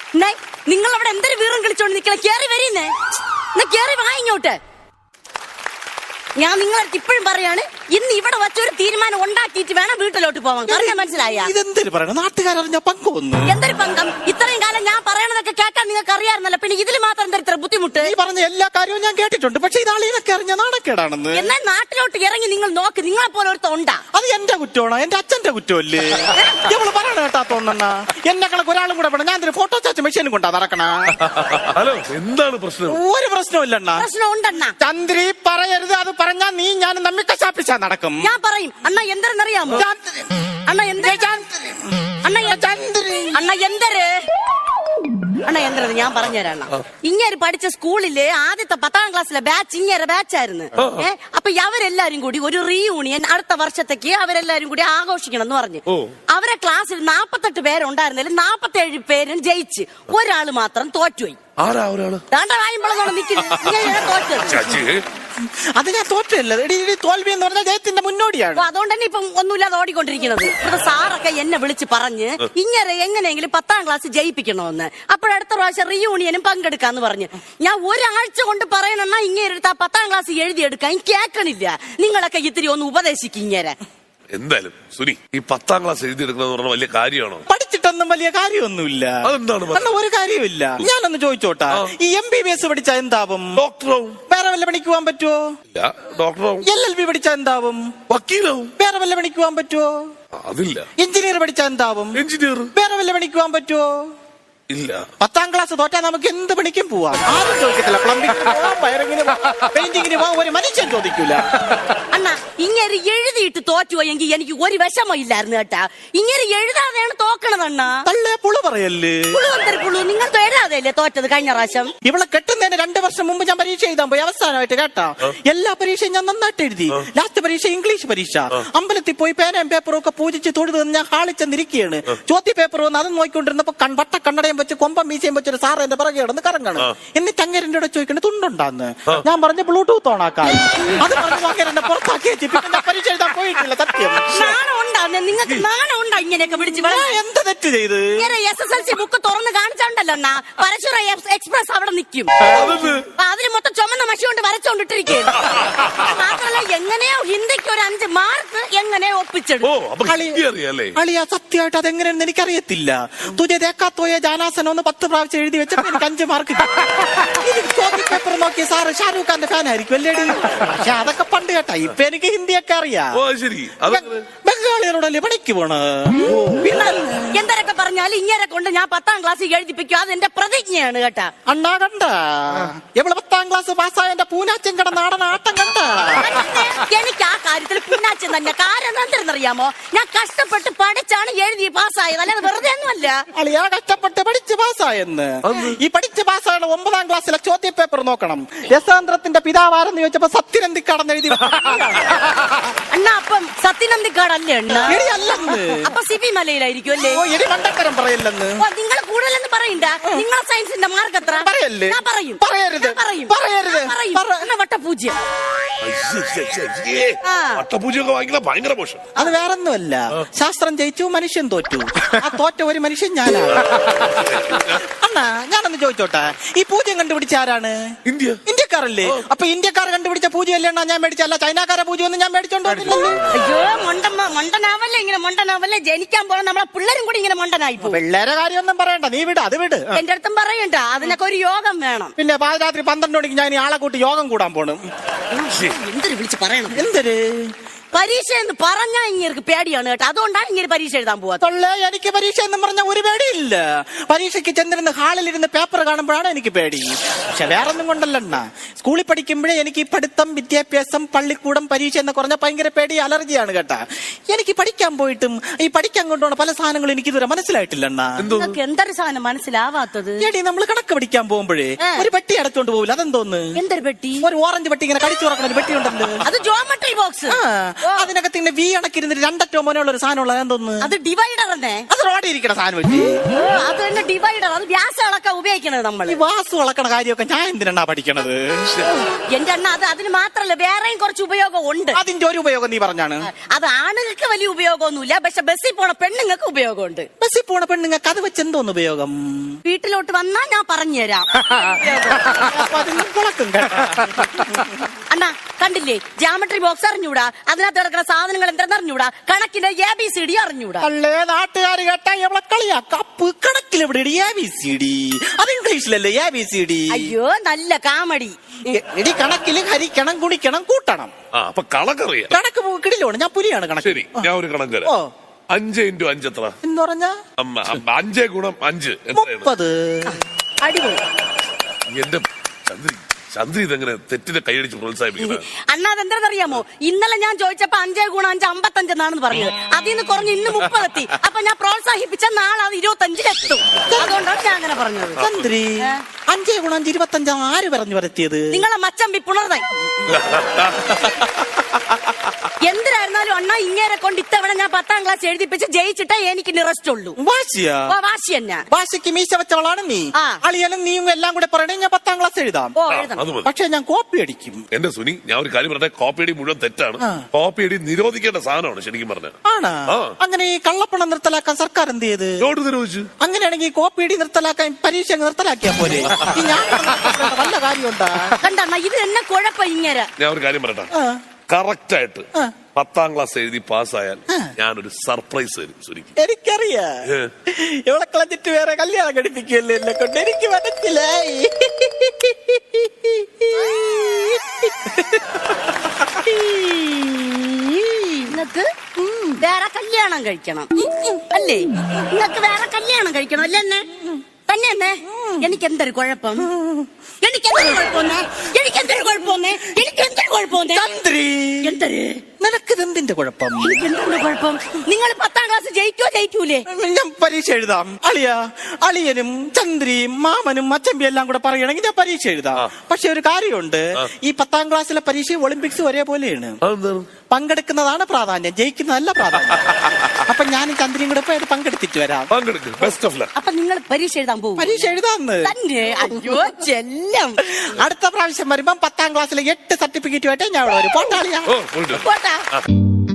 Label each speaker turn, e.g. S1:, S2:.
S1: നിങ്ങൾ അവിടെ എന്തൊരു വീറും കളിച്ചോണ്ട് നിക്കളെ? കേറി വരീന്നേ, കേറി വാ ഇങ്ങോട്ട്. ഞാൻ നിങ്ങളടുത്ത് ഇപ്പോഴും പറയാണ്, ഇന്ന് ഇവിടെ വച്ചൊരു തീരുമാനം ഉണ്ടാക്കിയിട്ട് വേണം വീട്ടിലോട്ട് പോവാൻ. പറഞ്ഞാൽ മനസ്സിലായ?
S2: ഇതെന്തൊരു പറയണം, നാട്ടുകാരറിഞ്ഞ പങ്കൊന്നു.
S1: എന്തൊരു പങ്കം? ഇത്രയും കാലം ഞാൻ പറയണതൊക്കെ കേൾക്കാൻ നിങ്ങൾക്ക് അറിയാറുന്നല്ലോ, പിന്നെ ഇതിൽ മാത്രം എന്താ ഇത്ര ബുദ്ധിമുട്ട്?
S2: ഈ പറഞ്ഞ എല്ലാ കാര്യവും ഞാൻ കേട്ടിട്ടുണ്ട്, പക്ഷെ ഇതാളീനൊക്കെ അറിഞ്ഞ നാണക്കേടാണെന്ന്.
S1: എന്നാൽ നാട്ടിലോട്ട് ഇറങ്ങി നിങ്ങൾ നോക്ക്, നിങ്ങളെ പോലെ ഒരുത്ത ഉണ്ടാ.
S2: അത് എന്റെ കുറ്റമാണോ? എന്റെ അച്ഛന്റെ കുറ്റമല്ലേ? ഇവള് പറയണ കേട്ടാത്തോണ്ണ എന്നെ കണക്ക് ഒരാളും കൂടെ വേണം. ഞാൻ ഫോട്ടോ ചാച്ച മെഷീനും കൊണ്ടാ നടക്കണ.
S3: ഹലോ, എന്താണ് പ്രശ്നം?
S2: ഒരു പ്രശ്നമില്ലണ്ണ.
S1: പ്രശ്നം ഉണ്ടെണ്ണ.
S2: ചന്ദ്രി പറയരുത്, അത് പറഞ്ഞാ നീ ഞാൻ നമ്മി കശാപ്പിച്ചാ നടക്കും.
S1: ഞാൻ പറയും. അണ്ണ എന്തെന്നറിയാമോ? അണ്ണ എന്തര് ഞാൻ പറഞ്ഞുതരാണ്. ഇങ്ങനെ പഠിച്ച സ്കൂളില് ആദ്യത്തെ 10ാം ക്ലാസ്സിലെ ബാച്ച് ഇങ്ങനെ ബാച്ചായിരുന്നു. അപ്പൊ അവരെല്ലാരും കൂടി ഒരു റീയൂണിയൻ അടുത്ത വർഷത്തേക്ക് അവരെല്ലാരും കൂടി ആഘോഷിക്കണം എന്ന് പറഞ്ഞു. അവരെ ക്ലാസ്സിൽ 48 പേരുണ്ടായിരുന്നതിൽ 47 പേരും ജയിച്ച്, ഒരാള് മാത്രം തോറ്റുപോയി.
S3: ആരാ ഒരാള്?
S2: അത് ഞാൻ തോറ്റല്ല, തോൽവി എന്ന് പറഞ്ഞാൽ ജയത്തിന്റെ മുന്നോടിയാണ്.
S1: അതുകൊണ്ട് തന്നെ ഇപ്പം ഒന്നുമില്ലാതെ ഓടിക്കൊണ്ടിരിക്കുന്നത്. ഇവിടെ സാറൊക്കെ എന്നെ വിളിച്ച് പറഞ്ഞ് ഇങ്ങനെ എങ്ങനെയെങ്കിലും 10ാം ക്ലാസ് ജയിപ്പിക്കണമെന്ന്. അപ്പോഴടുത്ത പ്രാവശ്യം റീയൂണിയനും പങ്കെടുക്കാന്ന് പറഞ്ഞു. ഞാൻ ഒരാഴ്ച കൊണ്ട് പറയണെന്നാ ഇങ്ങനെ എടുത്താ 10ാം ക്ലാസ് എഴുതിയെടുക്കാൻ കേൾക്കണില്ല. നിങ്ങളൊക്കെ ഇത്തിരി ഒന്ന് ഉപദേശിക്കും ഇങ്ങനെ.
S3: എന്തായാലും സുനി, ഈ 10ാം ക്ലാസ് എഴുതിയെടുക്കുന്നത് പറഞ്ഞ വലിയ കാര്യമാണോ?
S2: പഠിച്ചിട്ടൊന്നും വലിയ കാര്യമൊന്നുമില്ല.
S3: അതെന്താണ്?
S2: ഒരു കാര്യമില്ല. ഞാനൊന്ന് ചോദിച്ചോട്ടാ, ഈ MBBS പഠിച്ചാ എന്താവും?
S3: ഡോക്ടറാവും.
S2: വേറെ വല്ല പണിക്ക് പോകാൻ പറ്റുമോ?
S3: ഇല്ല. ഡോക്ടറാവും.
S2: LLB പഠിച്ചാ എന്താവും?
S3: വക്കീലാവും.
S2: വേറെ വല്ല പണിക്ക് പോകാൻ പറ്റുമോ?
S3: അതില്ല.
S2: എഞ്ചിനീയർ പഠിച്ചാ എന്താവും?
S3: എഞ്ചിനീയർ.
S2: വേറെ വല്ല പണിക്ക് പോകാൻ പറ്റുമോ?
S3: ഇല്ല.
S2: 10ാം ക്ലാസ് തോറ്റാ നമുക്ക് എന്ത് പണിക്കും പോവാം. ആരും ചോദിക്കത്തില്ല. പ്ലംബിംഗിന് പോവാം, വയറിങ്ങിന് പോവാം, പെയിന്റിങ്ങിന് പോവാം, ഒരു മനുഷ്യൻ ചോദിക്കൂല.
S1: അണ്ണാ, ഇങ്ങനെ എഴുതിയിട്ട് തോറ്റുപോയെങ്കിൽ എനിക്ക് ഒരു വിഷമം ഇല്ലായിരുന്നു കേട്ടാ. ഇങ്ങനെ എഴുതാതെയാണ് തോക്കണതണ്ണ.
S2: തള്ളേ പുളു പറയല്ലേ?
S1: പുളു നിങ്ങൾ എഴുതാതെയല്ലേ തോറ്റത് കഴിഞ്ഞ പ്രാവശ്യം?
S2: ഇവളെ കെട്ടുന്നതിന് 2 വർഷം മുമ്പ് ഞാൻ പരീക്ഷ എഴുതാൻ പോയി. അവസാനമായിട്ട് കേട്ടാ, എല്ലാ പരീക്ഷയും ഞാൻ നന്നായിട്ട് എഴുതി. ലാസ്റ്റ് പരീക്ഷ ഇംഗ്ലീഷ് പരീക്ഷ. അമ്പലത്തിൽ പോയി പേനയും പേപ്പറും ഒക്കെ പൂജിച്ച് തൊഴുത് ഞാൻ ഹാളിച്ചെന്നിരിക്കുകയാണ്. ചോദ്യ പേപ്പർ വന്ന് അത് നോക്കിക്കൊണ്ടിരുന്നപ്പോ വട്ട കണ്ണടയും വെച്ച് കൊമ്പം മീശയും വെച്ചൊരു സാറ് എന്റെ പിറകെ കിടന്ന് കറങ്ങണം. എന്നിട്ട് അങ്ങേരന്റെ കൂടെ ചോദിക്കണേ തുണ്ടുണ്ടാന്ന്. ഞാൻ പറഞ്ഞ ബ്ലൂടൂത്ത് ഓണാക്കാൻ. അത് പറഞ്ഞു അങ്ങേരനെ പുറത്താക്കി വെച്ച് പിന്നെ പരീക്ഷ എഴുതാൻ പോയിട്ടില്ല. സത്യം.
S1: നിങ്ങൾക്ക് നാണം ഉണ്ടാ ഇങ്ങനെയൊക്കെ പിടിച്ച്?
S2: എന്ത് തെറ്റ് ചെയ്ത്?
S1: SSLC ബുക്ക് തുറന്ന് കാണിച്ചോണ്ടല്ലോ അണ്ണാ, പരശുര എക്സ്പ്രസ് അവിടെ നിൽക്കും. അതിന് മൊത്തം ചുമന്ന മഷി കൊണ്ട് വരച്ചോണ്ടിട്ടിരിക്കും. മാത്രല്ല എങ്ങനെയോ ഹിന്ദിക്ക് ഒരു 5 മാർക്ക് എങ്ങനെയോ ഒപ്പിച്ചെടുക്കും.
S2: അളിയാ, സത്യമായിട്ട് അതെങ്ങനെയാണെന്ന് എനിക്കറിയത്തില്ല. തുജേക്കാത്തോയെ ജാനാസനം ഒന്ന് 10 പ്രാവശ്യം എഴുതി വെച്ചപ്പോ എനിക്ക് 5 മാർക്ക്. ചോദ്യ പേപ്പർ നോക്കി സാറ് ഷാരൂഖ് ഖാന്റെ ഫാൻ ആയിരിക്കും അല്ലേടി? പക്ഷെ അതൊക്കെ പണ്ട് കേട്ടാ. ഇപ്പൊ എനിക്ക് ഹിന്ദിയൊക്കെ അറിയാം. ബംഗാളികളോടല്ലേ പണിക്ക് പോണ?
S1: എന്തൊക്കെ പറഞ്ഞാലും ഇങ്ങനെ കൊണ്ട് ഞാൻ 10ാം ക്ലാസ് എഴുതിപ്പിക്കും. അത് എന്റെ പ്രതിജ്ഞയാണ് കേട്ടാ.
S2: അണ്ണാ കണ്ട എവിടെ 10ാം ക്ലാസ് പാസ്സായ എന്റെ പൂനാച്ചൻ കട നാടൻ ആട്ടം കണ്ട.
S1: എനിക്ക് ആ കാര്യത്തിൽ പൂനാച്ചൻ തന്നെ. കാരണം എന്തെന്നറിയാമോ? ഞാൻ കഷ്ടപ്പെട്ട് പഠിച്ചാണ് എഴുതി പാസ്സായത്, അല്ലാതെ വെറുതെ ഒന്നുമല്ല.
S2: അളിയാ, കഷ്ടപ്പെട്ട് പഠിച്ച് പാസ്സായെന്ന്. ഈ പഠിച്ച് പാസ്സായ 9ാം ക്ലാസ്സിലെ ചോദ്യ പേപ്പർ നോക്കണം. യശാന്ത്രത്തിന്റെ പിതാവാരെന്ന് ചോദിച്ചപ്പോ സത്യനന്ദിക്കാടെന്ന് എഴുതി.
S1: അണ്ണാ, അപ്പം സത്യനന്ദിക്കാടല്ലേ അണ്ണാ?
S2: അല്ലെന്ന്.
S1: അപ്പൊ സിബി മലയിലായിരിക്കും അല്ലേ?
S2: മണ്ടത്തരം പറയല്ലെന്ന്.
S1: നിങ്ങൾ കൂടുതലെന്ന് പറയണ്ട. നിങ്ങളെ സയൻസിന്റെ മാർക്ക് എത്ര?
S2: പറയല്ലേ?
S1: ഞാൻ പറയും.
S2: പറയരുത്.
S1: വട്ടപൂജ്യം.
S3: വട്ടപൂജ്യമൊക്കെ വാങ്ങിക്കുന്ന ഭയങ്കര മോശം.
S2: അത് വേറൊന്നുമല്ല. ശാസ്ത്രം ജയിച്ചു, മനുഷ്യൻ തോറ്റു. ആ തോറ്റ ഒരു മനുഷ്യൻ ഞാനാണ്. അണ്ണാ, ഞാനൊന്ന് ചോദിച്ചോട്ടെ, ഈ പൂജ്യം കണ്ടുപിടിച്ച ആരാണ്? ഇന്ത്യക്കാരല്ലേ? അപ്പൊ ഇന്ത്യക്കാർ കണ്ടുപിടിച്ച പൂജ്യം അല്ലേ ഞാൻ മേടിച്ചല്ല? ചൈനക്കാരെ പൂജ്യം ഒന്നും ഞാൻ മേടിച്ചോണ്ടോ?
S1: അയ്യോ, മണ്ടനാവല്ലേ ഇങ്ങനെ മണ്ടനാവല്ലേ. ജനിക്കാൻ പോണ നമ്മളെ പിള്ളേരും കൂടി ഇങ്ങനെ മണ്ടനായി.
S2: പിള്ളേരെ കാര്യമൊന്നും പറയണ്ട, നീ വിട്, അത് വിട്.
S1: എന്റെ അടുത്തും പറയണ്ട, അതിനൊക്കെ ഒരു യോഗം വേണം.
S2: പിന്നെ പാതിരാത്രി 12 മണിക്ക് ഞാൻ ഈ ആളെ കൂട്ടി യോഗം കൂടാൻ പോണം.
S1: എന്തൊരു വിളിച്ച് പറയണം?
S2: എന്തൊരു
S1: പരീക്ഷ എന്ന് പറഞ്ഞാൽ ഇങ്ങനെ പേടിയാണ് കേട്ടോ. അതുകൊണ്ടാണ് ഇങ്ങനെ പരീക്ഷ എഴുതാൻ പോവാ.
S2: എനിക്ക് പരീക്ഷ എന്ന് പറഞ്ഞ ഒരു പേടിയില്ല. പരീക്ഷയ്ക്ക് ചെന്നിരുന്ന് ഹാളിലിരുന്ന് പേപ്പർ കാണുമ്പോഴാണ് എനിക്ക് പേടി. പക്ഷെ വേറൊന്നും കൊണ്ടല്ലണ്ണ. സ്കൂളിൽ പഠിക്കുമ്പോഴേ എനിക്ക് പഠിത്തം, വിദ്യാഭ്യാസം, പള്ളിക്കൂടം, പരീക്ഷ എന്ന് പറഞ്ഞ ഭയങ്കര പേടി, അലർജിയാണ് കേട്ടാ. എനിക്ക് പഠിക്കാൻ പോയിട്ടും ഈ പഠിക്കാൻ കൊണ്ടുപോണ പല സാധനങ്ങളും എനിക്ക് ഇതുവരെ മനസ്സിലായിട്ടില്ലണ്ണ.
S1: എന്തൊരു സാധനം മനസ്സിലാവാത്തത്?
S2: എടി, നമ്മൾ കണക്ക് പഠിക്കാൻ പോകുമ്പോഴേ ഒരു പെട്ടി അടച്ചോണ്ട് പോകില്ല, അതെന്തോന്ന്?
S1: എന്തൊരു പെട്ടി?
S2: ഒരു ഓറഞ്ച് പെട്ടി, ഇങ്ങനെ കടിച്ചു തുറക്കണ ഒരു പെട്ടി ഉണ്ടല്ലോ,
S1: അത് ജോമെട്രി ബോക്സ്.
S2: അതിനകത്ത് ഇങ്ങനെ വി അണക്കിരുന്നിട്ട് രണ്ടറ്റോ മോനുള്ള ഒരു സാധനം ഉള്ളത് എന്തോന്ന്?
S1: അത് ഡിവൈഡർ തന്നെ.
S2: അത് റോഡിൽ ഇരിക്കണ സാധനം വെച്ച്
S1: അത് തന്നെ ഡിവൈഡർ. അത് ഗ്യാസ് അളക്കാൻ ഉപയോഗിക്കണത് നമ്മള്.
S2: ഈ വാസു വളക്കണ കാര്യമൊക്കെ ഞാൻ എന്തിനാ പഠിക്കണത്?
S1: എന്റെ അണ്ണ അത് അതിന് മാത്രല്ല വേറെയും കുറച്ച് ഉപയോഗം ഉണ്ട്.
S2: അതിന്റെ ഒരു ഉപയോഗം നീ പറഞ്ഞാണ്.
S1: അത് ആണുങ്ങൾക്ക് വലിയ ഉപയോഗമൊന്നുമില്ല, പക്ഷെ ബസ്സിൽ പോണ പെണ്ണുങ്ങൾക്ക് ഉപയോഗമുണ്ട്.
S2: ബസ്സിൽ പോണ പെണ്ണുങ്ങൾക്ക് അത് വെച്ച് എന്തോന്ന് ഉപയോഗം?
S1: വീട്ടിലോട്ട് വന്നാ ഞാൻ പറഞ്ഞുതരാം.
S2: അപ്പൊ അതിന് കുളക്കും കേട്ടോ.
S1: അണ്ണാ കണ്ടില്ലേ, ജാമട്രി ബോക്സ് അറിഞ്ഞൂടാ, അതിനകത്ത് കിടക്കുന്ന സാധനങ്ങൾ എന്തെന്ന് അറിഞ്ഞൂടാ, കണക്കിന്റെ ABCD അറിഞ്ഞൂടാ.
S2: അല്ലേ നാട്ടുകാർ കേട്ടാ എവിടെ കളിയാ കപ്പ് കണക്കിൽ എവിടെ ABCD? അത് ഇംഗ്ലീഷിലല്ലേ ABCD?
S1: അയ്യോ നല്ല കാമഡി.
S2: എടി കണക്കില് ഹരിക്കണം ഗുണിക്കണം കൂട്ടണം.
S3: അപ്പൊ കണക്കറിയാം.
S2: കണക്ക് കിടിലോണ്. ഞാൻ പുലിയാണ് കണക്ക്.
S3: ശരി, ഞാൻ ഒരു കണക്ക് തരാം. 5 × 5 എത്ര?
S2: എന്ന് പറഞ്ഞാ
S3: 5 × 5 എത്രയാണ്?
S2: 30.
S1: അടിപൊളി.
S3: എന്റെ ചന്ദ്രി ഇതെങ്ങനെ തെറ്റിനെ കൈയടിച്ച് പ്രോത്സാഹിപ്പിക്കുന്നത്?
S1: അണ്ണാ അതെന്താണെന്നറിയാമോ, ഇന്നലെ ഞാൻ ചോദിച്ചപ്പോ 5 × 5 55 എന്നാണെന്ന് പറഞ്ഞത്. അതിൽ നിന്ന് കുറഞ്ഞ് ഇന്ന് 30 എത്തി. അപ്പൊ ഞാൻ പ്രോത്സാഹിപ്പിച്ച നാളെ അത് 25 എത്തും. അതുകൊണ്ടാണ് ഞാൻ അങ്ങനെ പറഞ്ഞത്.
S2: ചന്ദ്രി 5 × 5 25 ആര് പറഞ്ഞു വരത്തിയത്?
S1: നിങ്ങളെ മച്ചമ്പി പുണർന്നായി. എന്തിനായിരുന്നാലും അണ്ണാ ഇങ്ങേരെ കൊണ്ട് ഇത്തവണ ഞാൻ 10ാം ക്ലാസ് എഴുതിപ്പിച്ച് ജയിച്ചിട്ടേ എനിക്ക് നിറസ്റ്റ് ഉള്ളൂ.
S2: വാശിയാ?
S1: വാശി തന്നെ.
S2: വാശിക്ക് മീശ വെച്ചവളാണ് നീ. അളിയനും നീയും എല്ലാം കൂടെ പറയണേ ഞാൻ 10ാം ക്ലാസ് എഴുതാം. പക്ഷെ ഞാൻ കോപ്പി അടിക്കും.
S3: എന്റെ സുനി, ഞാൻ ഒരു കാര്യം പറഞ്ഞ, കോപ്പി അടി മുഴുവൻ തെറ്റാണ്. കോപ്പി അടി നിരോധിക്കേണ്ട സാധനമാണ് ശരിക്കും പറഞ്ഞ.
S2: ആണാ? അങ്ങനെ ഈ കള്ളപ്പണം നിർത്തലാക്കാൻ സർക്കാർ എന്ത് ചെയ്ത്?
S3: നോട്ട് നിരോധിച്ചു.
S2: അങ്ങനെയാണെങ്കിൽ കോപ്പി അടി നിർത്തലാക്കാൻ പരീക്ഷ നിർത്തലാക്കിയാ പോലെ. ഞാൻ വല്ല കാര്യമുണ്ടാ?
S1: കണ്ടണ്ണ ഇത് എന്നെ കുഴപ്പം ഇങ്ങനെ.
S3: ഞാൻ ഒരു കാര്യം പറയട്ടെ, കറക്റ്റ് ആയിട്ട് 10ാം ക്ലാസ് എഴുതി പാസ്സായാൽ ഞാനൊരു സർപ്രൈസ് തരും സുനിക്ക്.
S2: എനിക്കറിയാം. ഇവിടെ കളഞ്ഞിട്ട് വേറെ കല്യാണം കഴിപ്പിക്കുകയല്ലേ എന്നെ കൊണ്ട്. എനിക്ക് മനസ്സിലായി.
S1: നിങ്ങക്ക് വേറെ കല്യാണം കഴിക്കണം അല്ലേ? നിങ്ങക്ക് വേറെ കല്യാണം കഴിക്കണം അല്ലേ? എന്നെ തന്നെ എന്നെ. എനിക്ക് എന്തൊരു കുഴപ്പം?
S2: നിനക്കിതെന്തിന്റെ കുഴപ്പം?
S1: കുഴപ്പം നിങ്ങൾ 10ാം ക്ലാസ് ജയിക്കൂലേ?
S2: ഞാൻ പരീക്ഷ എഴുതാം. അളിയനും ചന്ദ്രിയും മാമനും അച്ചമ്പി എല്ലാം കൂടെ പറയണെങ്കിൽ ഞാൻ പരീക്ഷ എഴുതാം. പക്ഷെ ഒരു കാര്യമുണ്ട്, ഈ 10ാം ക്ലാസ്സിലെ പരീക്ഷ ഒളിമ്പിക്സ് ഒരേപോലെയാണ്. പങ്കെടുക്കുന്നതാണ് പ്രാധാന്യം, ജയിക്കുന്നതല്ല പ്രാധാന്യം. അപ്പൊ ഞാനും ചന്ദ്രിയും കൂടെ പോയി പങ്കെടുത്തിട്ട് വരാം.
S1: അപ്പൊ നിങ്ങൾ പരീക്ഷ എഴുതാൻ പോകും?
S2: പരീക്ഷ എഴുതാന്ന്.
S1: അയ്യോ ചെല്ലം.
S2: അടുത്ത പ്രാവശ്യം വരുമ്പം 10ാം ക്ലാസ്സിലെ 8 സർട്ടിഫിക്കറ്റുമായിട്ട് ഞാൻ അവിടെ വരും. പോട്ടാളിയാ.
S1: പോട്ടാ.